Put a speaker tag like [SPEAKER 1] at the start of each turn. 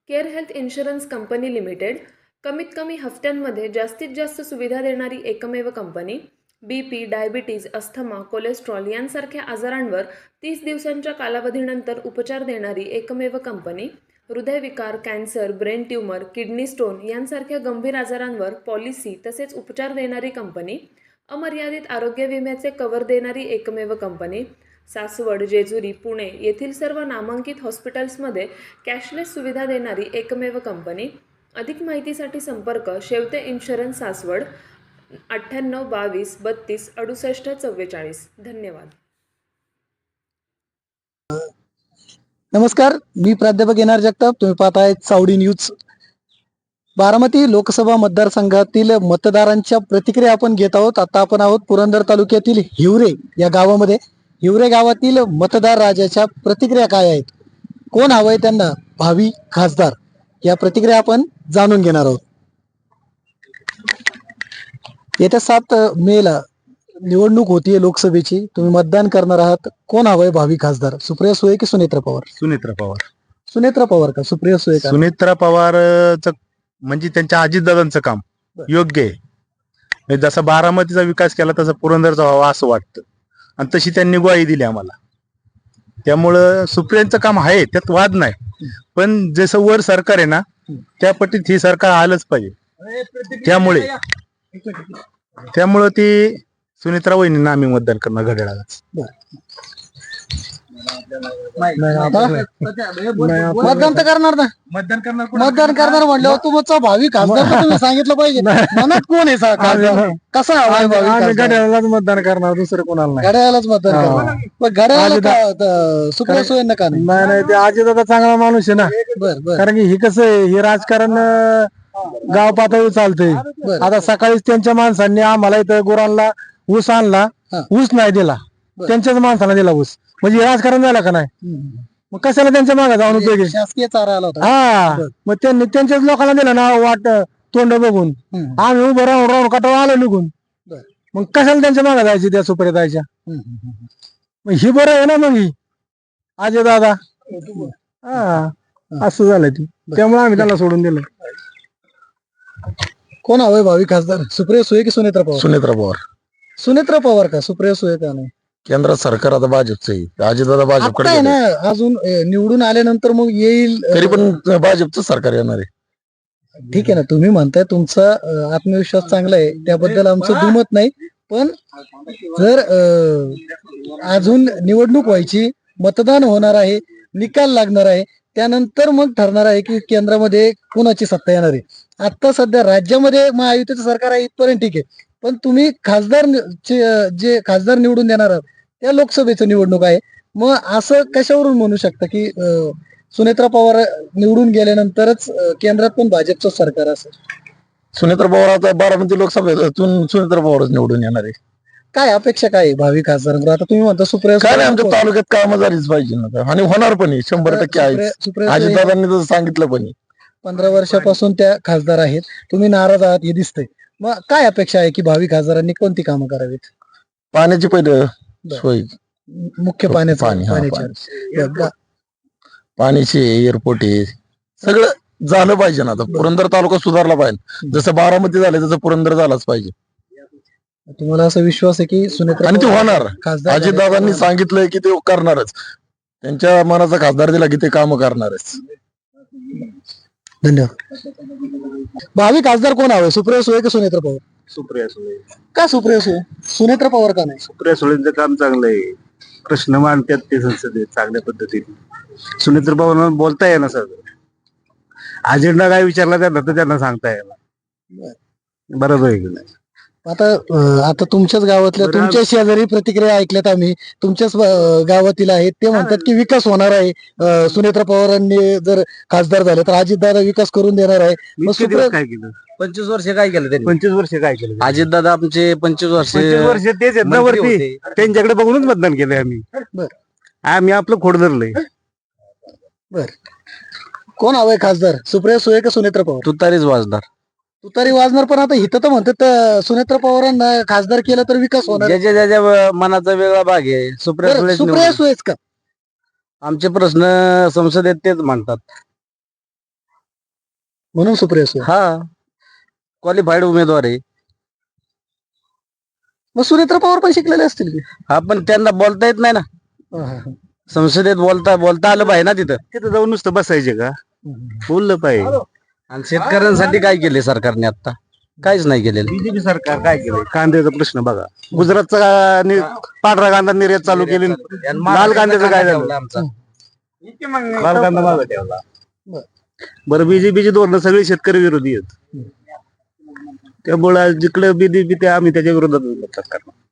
[SPEAKER 1] Care health insurance company limited कमीत कमी हफ्त्यांमध्ये जास्तीत जास्त सुविधा देणारी एकमेव company. BP, diabetes, asthma, cholesterol यांसारख्या आजारांवर 30 दिवसांच्या कालावधीनंतर उपचार देणारी एकमेव कंपनी. हृदयविकार, cancer, brain tumour, kidney stone यांसारख्या गंभीर आजारांवर पॉलिसी तसेच उपचार देणारी कंपनी. अमर्यादित आरोग्य विम्याचे कव्हर देणारी एकमेव कंपनी. सासवड, जेजुरी, पुणे येथील सर्व नामांकित हॉस्पिटल्समध्ये कॅशलेस सुविधा देणारी एकमेव कंपनी. अधिक माहितीसाठी संपर्क शेवते इन्शुरन्स सासवड 98 22 32 68 44. धन्यवाद.
[SPEAKER 2] नमस्कार, मी प्राध्यापक एन.आर. जगताप. तुम्ही पाहताय चावडी न्यूज. बारामती लोकसभा मतदारसंघातील मतदारांच्या प्रतिक्रिया आपण घेत आहोत. आता आपण आहोत पुरंदर तालुक्यातील हिवरे या गावामध्ये. हिवरे गावातील मतदार राजाच्या प्रतिक्रिया काय आहेत, कोण हवंय त्यांना भावी खासदार, या प्रतिक्रिया आपण जाणून घेणार आहोत. येत्या 7 मेला निवडणूक होतीये लोकसभेची. तुम्ही मतदान करणार आहात. कोण हवंय भावी खासदार, सुप्रिया सुळे की सुनेत्रा पवार?
[SPEAKER 3] सुनेत्रा पवार.
[SPEAKER 2] सुनेत्रा पवार का सुप्रिया सुळे का?
[SPEAKER 3] सुनेत्रा पवारचं म्हणजे त्यांच्या अजितदादांचं काम योग्य आहे. म्हणजे जसा बारामतीचा विकास केला तसा पुरंदरचा व्हावा असं वाटतं, आणि तशी त्यांनी ग्वाही दिली आम्हाला. त्यामुळं सुप्रियांचं काम आहे, त्यात वाद नाही. पण जसं वर सरकार आहे ना, त्या पट्टीत ही सरकार आलंच पाहिजे. त्यामुळं ती सुनेत्रा वहिनींना आम्ही मतदान करणार घड्याळालाच.
[SPEAKER 2] मतदान तर करणार ना? मतदान करणार म्हणल्यावर तुमचा भावी खासदार तर तुम्ही सांगितलं पाहिजे. मनात कोण आहे खासदार, कसा हवाय भावी खासदार?
[SPEAKER 3] घड्याळालाच मतदान करणार, दुसरं कोणाला नाही.
[SPEAKER 2] घड्याळालाच मतदान करणार. पण घड्याळाला सुप्रिया सुळेंना का नाही?
[SPEAKER 3] नाही, ते अजितदादा चांगला माणूस आहे ना.
[SPEAKER 2] बरं.
[SPEAKER 3] कारण की हे कसं आहे, हे राजकारण गाव पातळीवर चालतंय. आता सकाळीच त्यांच्या माणसांनी आम्हाला इथं गुरांना ऊस आणला, ऊस नाही दिला, त्यांच्याच माणसाला दिला ऊस. म्हणजे हे राजकारण झालं का नाही? मग कशाला त्यांच्या मागे जाऊन उपयोगी?
[SPEAKER 2] शासकीय चारा आला होता.
[SPEAKER 3] हा, मग त्यांनी त्यांच्याच लोकांना दिलं ना वाट तोंड बघून. आम्ही उभं राहून कटाळा आलो निघून. मग कशाला त्यांच्या मागे जायची, त्या सुप्रिया जायच्या? मग ही बरं आहे ना. मग ही अजय दादा, हा, असं झालं ती. त्यामुळे आम्ही त्याला सोडून दिलं.
[SPEAKER 2] कोण हवंय भावी खासदार, सुप्रिया सुळे की सुनेत्रा पवार?
[SPEAKER 3] सुनेत्रा पवार.
[SPEAKER 2] सुनेत्रा पवार का सुप्रिया सुळे का नाही?
[SPEAKER 3] केंद्रात सरकार आता भाजपचं आहे, अजितदादा
[SPEAKER 2] आता
[SPEAKER 3] भाजपकडे
[SPEAKER 2] आहे ना, अजून निवडून आल्यानंतर मग येईल.
[SPEAKER 3] तरी पण भाजपचं सरकार येणार आहे.
[SPEAKER 2] ठीक आहे ना, तुम्ही म्हणताय तुमचा आत्मविश्वास चांगला आहे, त्याबद्दल आमचं दुमत नाही. पण जर अजून निवडणूक व्हायची, मतदान होणार आहे, निकाल लागणार आहे, त्यानंतर मग ठरणार आहे की केंद्रामध्ये कुणाची सत्ता येणार आहे. आता सध्या राज्यामध्ये महायुतीचं सरकार आहे, इथपर्यंत ठीक आहे. पण तुम्ही खासदार जे खासदार निवडून देणार आहात, त्या लोकसभेचं निवडणूक आहे. मग असं कशावरून म्हणू शकता की सुनेत्रा पवार निवडून गेल्यानंतरच केंद्रात पण भाजपचं सरकार असेल?
[SPEAKER 3] सुनेत्रा पवार आता बारामती लोकसभेतून सुनेत्रा पवारच निवडून येणार आहे.
[SPEAKER 2] काय अपेक्षा काय आहे भावी खासदार? आता तुम्ही म्हणता सुप्रिया
[SPEAKER 3] काय नाही, आमच्या तालुक्यात कामं झालीच पाहिजे ना, आणि होणार पण 100% आहे. अजितदादांनी तर सांगितलं पण.
[SPEAKER 2] 15 वर्षापासून त्या खासदार आहेत, तुम्ही नाराज आहात हे दिसतंय. मग काय अपेक्षा आहे की भावी खासदारांनी कोणती कामं करावीत?
[SPEAKER 3] पाण्याची पहिलं सोय,
[SPEAKER 2] मुख्य
[SPEAKER 3] पाण्याची, एअरपोर्ट आहे, सगळं झालं पाहिजे ना. आता पुरंदर तालुका सुधारला पाहिजे, जसं बारामती झालं तसं पुरंदर झालाच पाहिजे.
[SPEAKER 2] तुम्हाला असा विश्वास आहे की सुनेत्रा
[SPEAKER 3] आणि ते होणार?
[SPEAKER 2] खासदार
[SPEAKER 3] अजितदादांनी सांगितलंय की ते करणारच. त्यांच्या मनाचा खासदार दिला की ते काम करणारच.
[SPEAKER 2] धन्यवाद. भावी खासदार कोण हवे, सुप्रिया सुळे की सुनेत्रा पवार?
[SPEAKER 4] सुप्रिया सुळे.
[SPEAKER 2] का सुप्रिया सुळे? सुनेत्रा पवार का नाही?
[SPEAKER 4] सुप्रिया सुळेंचं काम चांगलं आहे, प्रश्न मांडतात ते संसदेत चांगल्या पद्धतीने. सुनेत्र पवार बोलता येणार सर, अजेंडा काय विचारला त्यांना तर त्यांना सांगता येणार. बरोबर आहे की नाही?
[SPEAKER 2] आता तुमच्याच गावातल्या, तुमच्या शेजारी प्रतिक्रिया ऐकल्यात आम्ही, तुमच्याच गावातील आहेत. ते म्हणतात की विकास होणार आहे, सुनेत्रा पवारांनी जर खासदार झाले तर अजितदादा विकास करून देणार आहे. मग
[SPEAKER 4] काय केलं?
[SPEAKER 5] 25 वर्ष काय केलं त्यांनी?
[SPEAKER 4] 25 वर्ष काय केलं?
[SPEAKER 5] अजितदादा आमचे 25 वर्ष
[SPEAKER 4] 25 वर्ष तेच आहेत ना वरती, त्यांच्याकडे बघूनच मतदान केलंय आम्ही. आम्ही आपलं खोड धरलंय.
[SPEAKER 2] बर, कोण हवंय खासदार, सुप्रिया सुळे का सुनेत्रा पवार?
[SPEAKER 5] तुतारीच वाजणार.
[SPEAKER 2] तुतारी वाजणार, पण आता इथं तर म्हणतात सुनेत्रा पवारांना खासदार केलं तर विकास होणार.
[SPEAKER 5] ज्याच्या मनाचा वेगळा भाग आहे.
[SPEAKER 2] सुप्रिया सुळेच का?
[SPEAKER 5] आमचे प्रश्न संसदेत तेच मांडतात.
[SPEAKER 2] म्हणून सुप्रिया सुळे.
[SPEAKER 5] हा क्वालिफाईड उमेदवार आहे.
[SPEAKER 2] मग सुनेत्र पवार पण शिकलेले असतील की.
[SPEAKER 5] हा पण त्यांना बोलता येत नाही ना.
[SPEAKER 2] हा, हा, हा.
[SPEAKER 5] संसदेत बोलता आलं पाहिजे ना तिथं.
[SPEAKER 4] तिथं जाऊन नुसतं बसायचे का बोललं पाहिजे.
[SPEAKER 5] आणि शेतकऱ्यांसाठी काय केले सरकारने आता? काहीच नाही केलेलं.
[SPEAKER 4] बीजेपी सरकार काय केलंय? कांद्याचा प्रश्न बघा. गुजरातचा पांढरा कांदा निर्यात चालू केली. लाल कांद्याचं काय झालं?
[SPEAKER 5] आमचा
[SPEAKER 4] लाल कांदा मागं ठेवला.
[SPEAKER 2] बरं.
[SPEAKER 4] बरं, बीजेपीची धोरणं सगळी शेतकरी विरोधी आहेत. त्यामुळे जिकडे बीजेपी ते आम्ही त्याच्या विरोधात मतदान करणार.